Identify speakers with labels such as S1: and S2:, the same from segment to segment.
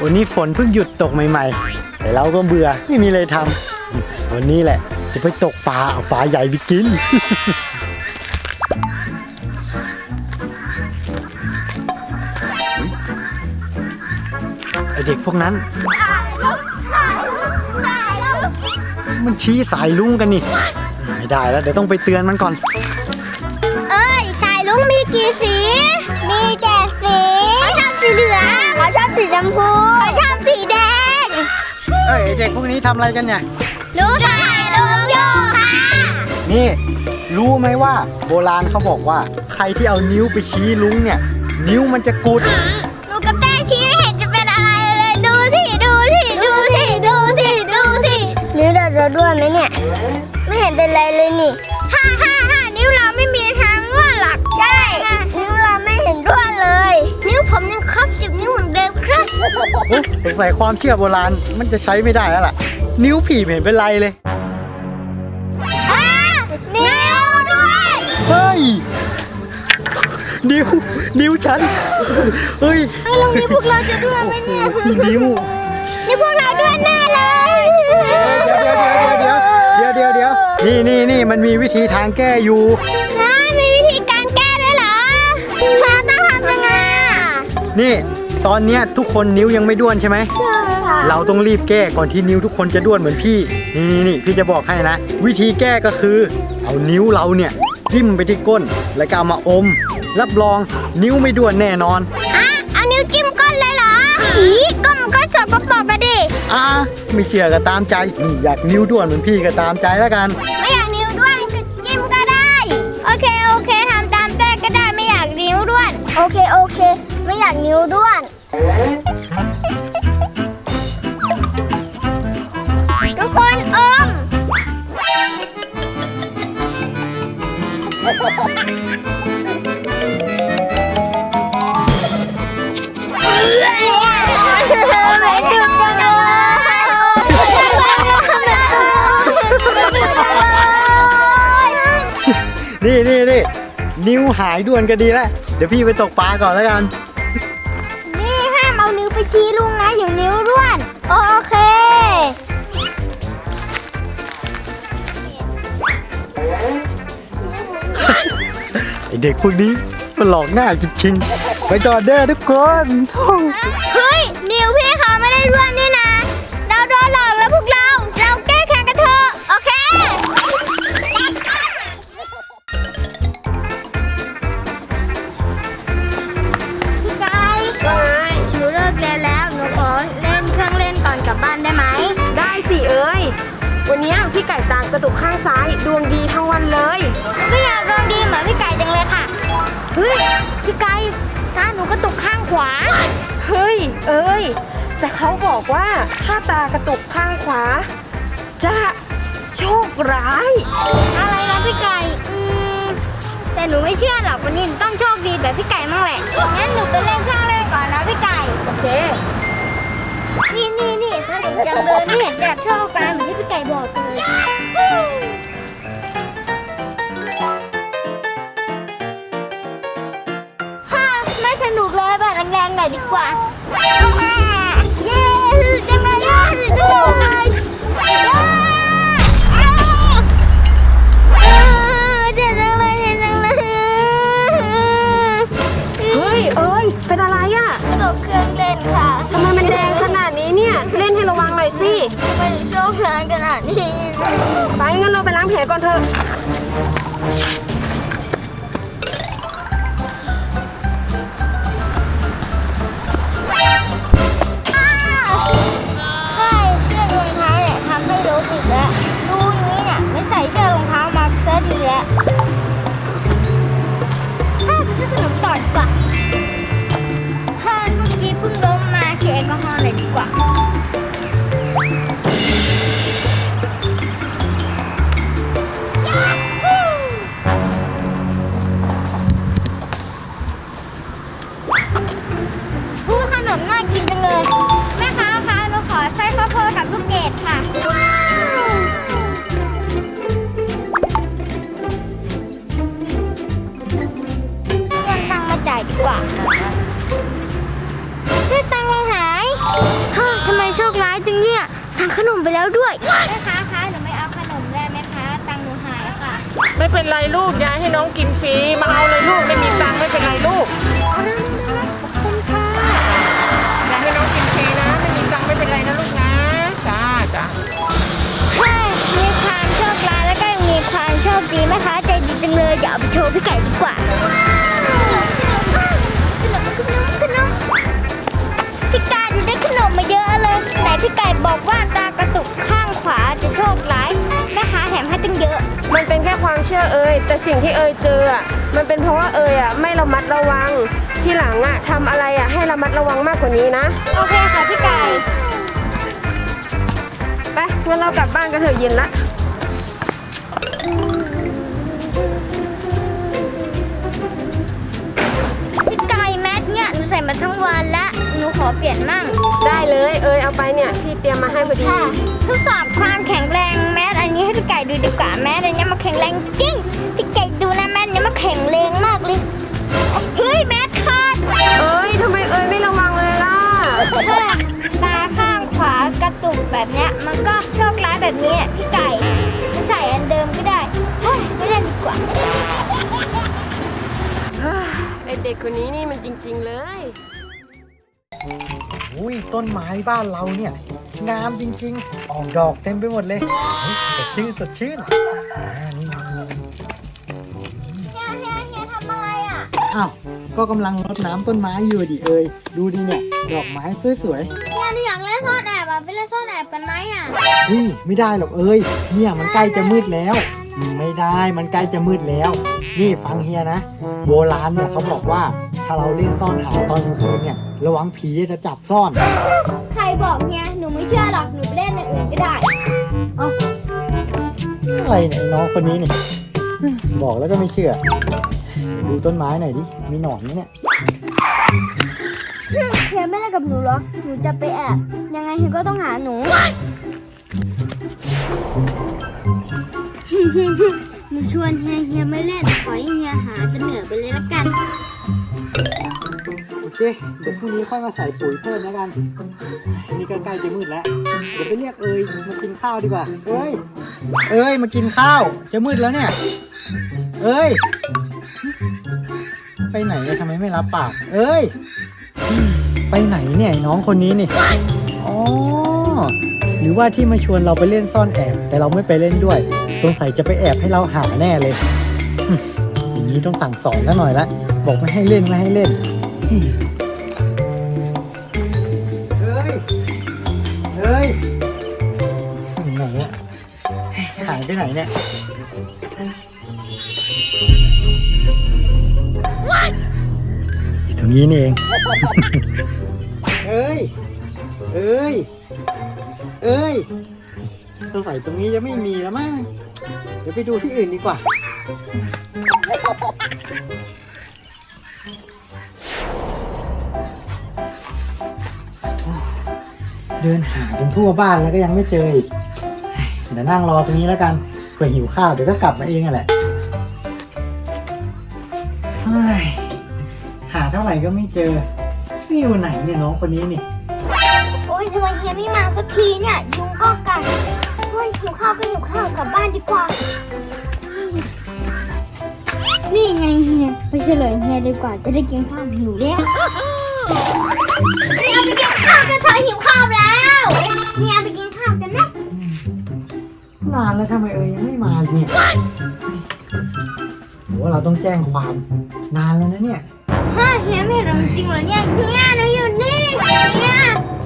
S1: วันนี้ฝนเพิ่งหยุดตกใหม่ๆแต่เราก็เบื่อไม่มีอะไรทำวันนี้แหละจะไปตกปลาเอาปลาใหญ่ไปกิน ไอเด็กพวกนั้นมันชี้สายลุงกันนี่ไม่ได้แล้วเดี๋ยวต้องไปเตือนมันก่อน
S2: เอ้ยสายลุงมีกี่สีมีแต่สีเขาชอบสีเหลืองเขาชอบสีชมพูเขาชอบสีแดง
S1: เอ้ยเด็กพวกนี้ทำอะไรกันเนี่ย
S2: รู้ถ่ายลุงโยค่ะ
S1: นี่รู้ไหมว่าโบราณเขาบอกว่าใครที่เอานิ้วไปชี้ลุงเนี่ยนิ้วมันจะกุด
S2: หนูกับแต้ชี้ไม่เห็นจะเป็นอะไรเลยดูสิดูสิดูสิดูสิดูสินิ้วเราด้วนไหมเนี่ยไม่เห็นเป็นไรเลยนี่ฮ่านิ้วเราไม่มีทางด้วนหรอกใช่นิ้วเราไม่เห็นด้วนเลยนิ้วผมยังครบ10 นิ้วเหมือนเดิมครับ
S1: สงสัยความเชื่อโบราณมันจะใช้ไม่ได้แล้วล่ะนิ้วผีไม่เห็นเป็นไรเลย
S2: นิ้วด้วย
S1: เฮ้ยนิ้วฉันเฮ้ย
S2: ลองนิ้วพวกเราจะด้วนไหมเนี่ย
S1: นิ้ว
S2: พวกเราด้วนแน่เลย
S1: เดี๋ยวนี่มันมีวิธีทางแก้อยู่
S2: มีวิธีการแก้ด้วยเหรอต้องทำยังไง
S1: นี่ตอนนี้ทุกคนนิ้วยังไม่ด้วนใช่ไหมเราต้องรีบแก้ก่อนที่นิ้วทุกคนจะด้วนเหมือนพี่นี่พี่จะบอกให้นะวิธีแก้ก็คือเอานิ้วเราเนี่ยจิ้มไปที่ก้นแล้วก็เอามาอมรับรองนิ้วไม่ด้วนแน่นอน
S2: เอานิ้วจิ้มก้นเลยเหรอก้นมันก็สกปรกอะดิ
S1: ไม่เชื่อก็ตามใจนี่อยากนิ้วด้วนเหมือนพี่ก็ตามใจแล้วกัน
S2: ไม่อยากนิ้วด้วนก็จิ้มก็ได้โอเคทำตามแต้ก็ได้ไม่อยากนิ้วด้วนโอเคไม่อยากนิ้วด้วนทุกคนอม
S1: นี่นิ้วหายด้วนก็ดีแล้วเดี๋ยวพี่ไปตกปลาก่อนแล้วกัน
S2: นี่ห้ามเอานิ้วไปชี้ลุงนะอยู่นิ้วด้วนโอเค
S1: ไอเด็กพวกนี้มันหลอกหน้าจริงๆไปต่อเด้อทุกคน
S2: เฮ้ยนิ้วพี่เขาไม่ได้ด้วนนี่นะเราโดนหลอกแล้วพวกเราแก้แค้นกันเถอะโอเคพี่ไก่หนูเลิกเรียนแล้วหนูขอเล่นเครื่องเล่นก่อนกลับบ้านได้ไหม
S3: ได้สิเอ้ยวันนี้พี่ไก่ตากระตุกข้างซ้ายดวงดีทั้งวันเลย
S2: ก็อยากดวงดีเหมือนพี่ไก่จังเลยค่ะ
S3: เฮ้ยพี่ไก่
S2: ตาหนูกระตุกข้างขวา
S3: เฮ้ยเอ้ยแต่เขาบอกว่าถ้าตากระตุกข้างขวาจะโชคร้าย
S2: อะไรนะพี่ไก่แต่หนูไม่เชื่อหรอกวันนี้ต้องโชคดีแบบพี่ไก่มั่งแหละงั้นหนูไปเล่นเครื่องเล่นก่อนนะพี่ไก่
S3: โอเค
S2: นี่สนุกจังเลยไม่เห็นแบบชอบกันเหมือนที่พี่ไก่บอกเลยไม่สนุกเลยแบบแรงๆหน่อยดีกว่าเย้จังเลยเด็ดจังเลย
S3: เฮ้ยเอ้ยเป็นอะไรอ่ะ
S2: ตกเครื่องเล่นค่ะ
S3: ทำไมมันแดงขนาดนี้เนี่ยเล่นให้ระวังหน่อยสิ
S2: มันโชคร้ายขนาดนี้
S3: ไปงั้นเราไปล้างแผลก่อนเถอะ
S2: ใส่เสื้อรองเท้ามาซะดีแล้วไปซื้อขนมต่อดีกว่าเมื่อกี้เพิ่งล้มมาเช็ดแอลกอฮอล์เลยดีกว่าขนมไปแล้วด้วยแม่ค้าคะหนูไม่เอาขนมได้ไหมคะตังค์หนูหายค่ะ
S3: ไม่เป็นไรลูกยายให้น้องกินฟรีมาเอาเลยลูกไม่มีตังค์ไม่เป็นไรลูก
S2: ขอบคุณค่ะ
S3: ยายให้น้องกินฟรีนะไม่มีตังค์ไม่เป็นไรนะลูกนะจ้า
S2: ใช่มีความโชคร้ายแล้วก็ยังมีความโชคดีแม่ค้าใจดีจังเลยเดี๋ยวเอาไปโชว์พี่ไก่ดีกว่าขนมพี่ไก่ดูได้ขนมมาเยอะเลยไหนพี่ไก่บอกว่าตากระตุกข้างขวาจะโชคร้ายแม่ค้าแถมให้ตั้งเยอะ
S3: มันเป็นแค่ความเชื่อเอ่ยแต่สิ่งที่เอ่ยเจออ่ะมันเป็นเพราะว่าเอ่ยอ่ะไม่ระมัดระวังที่หลังอ่ะทำอะไรอ่ะให้ระมัดระวังมากกว่านี้นะ
S2: โอเคค่ะพี่ไก่
S3: ไปงั้นเรากลับบ้านกันเถอะเย็นละ
S2: พี่ไก่แมสเนี่ยหนูใส่มาทั้งวันละหนูขอเปลี่ยนมั่ง
S3: ได้เลยเอ่ยเอาไปเนี่ยพี่เตรียมมาให้พอดี
S2: ค่ะทดสอบความแข็งแรงแมสอันนี้ให้พี่ไก่ดูดีกว่าแมสอันนี้มันแข็งแรงจริงพี่ไก่ดูนะแมสอันนี้มันแข็งแรงมากเลยเฮ้ยแมสขาด
S3: เอ้ยทำไมเอ่ยไม่ระวังเลยล่ะ
S2: ถ้าตาข้างขวากระตุกแบบเนี้ยมันก็โชคร้ายแบบนี้อะพี่ไก่จะใส่อันเดิมก็ได้เฮ้ยไม่เล่นดีกว่า
S3: ไอเด็กคนนี้นี่มันจริงๆเลย
S1: อุ้ยต้นไม้บ้านเราเนี่ยงามจริงๆออกดอกเต็มไปหมดเลยเฮ้ยสดชื่นสดชื่นนี่
S2: เฮียทำอะไรอ่ะ
S1: อ้าวก็กำลังรดน้ำต้นไม้อยู่ดิเอ่ยดูดิเนี่ยดอกไม้สวย
S2: เฮียหนูอยากเล่นซ่อนแอบอ่ะไปเล่นซ่อนแอบกันไหมอ่ะ
S1: ๆเฮ้ยไม่ได้หรอกเอ่ยเนี่ยมันใกล้จะมืดแล้ว ไม่ได้มันใกล้จะมืดแล้ว นี่ฟังเฮียนะโบราณเนี่ยเขาบอกว่าถ้าเราเล่นซ่อนหาตอนกลางคืนเนี่ยระวังผีจะจับซ่อน
S2: ใครบอกเฮียหนูไม่เชื่อหรอกหนูไปเล่นอย่างอื่นก็ได้
S1: อะไรเนี่ยไอ้น้องคนนี้นี่บอกแล้วก็ไม่เชื่อ ดูต้นไม้หน่อยดิมีหนอนไหมเนี่ย
S2: เฮียไม่เล่นกับหนูเหรอหนูจะไปแอบยังไงเฮียก็ต้องหาหนู หนูชวนเฮียไม่เล่นปล่อยให้เฮียหาจะเหนื่อยไปเลยละกัน
S1: โอเคเดี๋ยวพรุ่งนี้ค่อยมาใส่ปุ๋ยเพิ่มแล้วกันนี่ก็ใกล้จะมืดแล้วเดี๋ยวไปเรียกเอ๋ยมากินข้าวดีกว่าเอ้ยมากินข้าวจะมืดแล้วเนี่ยเอ้ยไปไหนเนี่ยทำไมไม่รับปากเอ้ยไปไหนเนี่ยไอ้น้องคนนี้นี่อ๋อหรือว่าที่มาชวนเราไปเล่นซ่อนแอบแต่เราไม่ไปเล่นด้วยสงสัยจะไปแอบให้เราหาแน่เลยอย่างนี้ต้องสั่งสอนกันหน่อยละบอกไม่ให้เล่นไม่ให้เล่นเฮ้ยไหนเนี่ยหายไปไหนเนี่ยอยู่ตรงนี้นี่เองเอ้ยสงสัยตรงนี้จะไม่มีแล้วมั้งเดี๋ยวไปดูที่อื่นดีกว่าเดินหาจนทั่วบ้านแล้วก็ยังไม่เจออีกเดี๋ยวนั่งรอตรงนี้แล้วกันเผื่อหิวข้าวเดี๋ยวก็กลับมาเองนั่นแหละเฮ้ยหาเท่าไหร่ก็ไม่เจอไม่อยู่ไหนเนี่ยน้องคนนี้นี่
S2: โอ้ยทำไมเฮียไม่มาสักทีเนี่ยยุงก็กัดโอ้ยหิวข้าวก็หิวข้าวกลับบ้านดีกว่า นี่ไงเฮียไปเฉลยเฮียดีกว่าจะได้กินข้าวหิวแล้วเนี่ยไปกินข้าวกันเธอหิวข้าวแล้วเนี่ยไปกินข้าวกันนะ
S1: นานแล้วทำไมยังไม่มาเนี่ยหรือว่าเราต้องแจ้งความนานแล้วนะเนี่ย
S2: ฮะเฮียไม่เห็นเราจริงเหรอเนี่ยเฮียหนูอยู่นี่เฮีย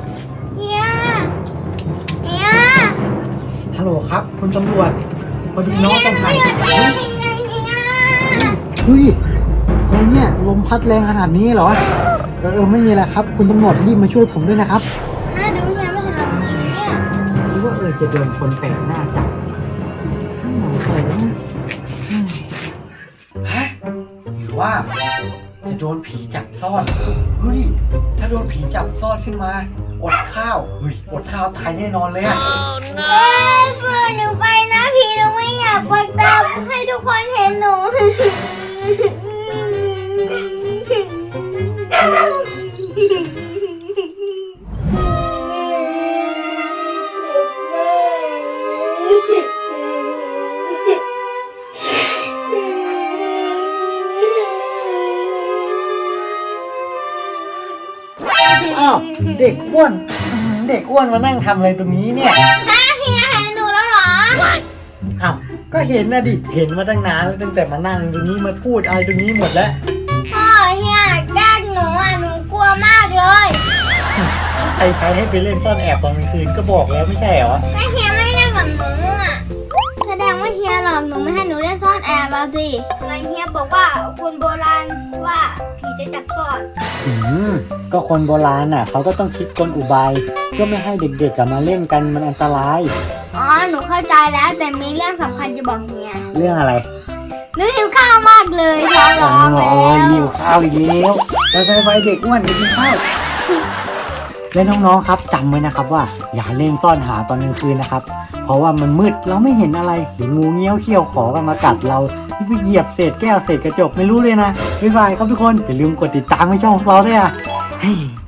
S1: ฮัลโหลครับคุณตำรวจพอดีน้องต้องถ่ายเฮ้ยอะไรเนี่ยลมพัดแรงขนาดนี้เหรอไม่มีอะไรครับคุณตำรวจรีบมาช่วยผมด้วยนะครับ
S2: ดูเฮียไม่เห็นเราจริงเนี่ย
S1: หรือว่าจะโดนคนแปลกหน้าจับหน่อยใส่นะฮะหรือว่าจะโดนผีจับซ่อนเฮ้ยถ้าโดนผีจับซ่อนขึ้นมาอดข้าวเฮ้ยอดข้าวตายแน่นอนเลยอะ
S2: เพื่อนหนูไปนะพี่หนูไม่อยากไปตามให้ทุกคนเห็นหนู
S1: เด็กอ้วนเด็กอ้วนมานั่งทำอะไรตรงนี้เนี่ย
S2: เฮียเห็นหนูแล้วเหรอ
S1: อ้าวก็เห็นนะดิเห็นมาตั้งนานแล้วตั้งแต่มานั่งตรงนี้มาพูดอะไรตรงนี้หมดแล้ว
S2: พ่อเฮียแกล้งหนูอ่ะหนูกลัวมากเลย
S1: ใครใช้ให้ไปเล่นซ่อนแอบตอนกลางคืนก็บอกแล้วไม่ใช่เหรอ
S2: แม่เฮียไม่เล่นกับหนูอ่ะแสดงว่าเฮียหลอกหนูไม่ให้หนูเล่นซ่อนแอบอ่ะสิไงเฮียบอกว่าคนโบราณว่าผีจะจับซ่อน
S1: ก็คนโบราณน่ะเขาก็ต้องคิดกลอุบายเพื่อไม่ให้เด็กๆมาเล่นกันมันอันตราย
S2: อ๋อหนูเข้าใจแล้วแต่มีเรื่องสำคัญจะบอกเฮีย
S1: เรื่องอะไร
S2: หนูหิวข้าวมากเลยท้องร้องแล้ว
S1: หิวข้าวอีกแล้วไปเด็กอ้วนไปกินข้าวและน้องๆครับจำไว้นะครับว่าอย่าเล่นซ่อนหาตอนกลางคืนนะครับเพราะว่ามันมืดเราไม่เห็นอะไรเดี๋ยวงูเงี้ยวเขี้ยวขอกันมากัดเราไปเหยียบเศษแก้วเศษกระจกไม่รู้เลยนะบ๊ายบายครับทุกคนอย่าลืมกดติดตามให้ช่องของเราด้วยอ่ะ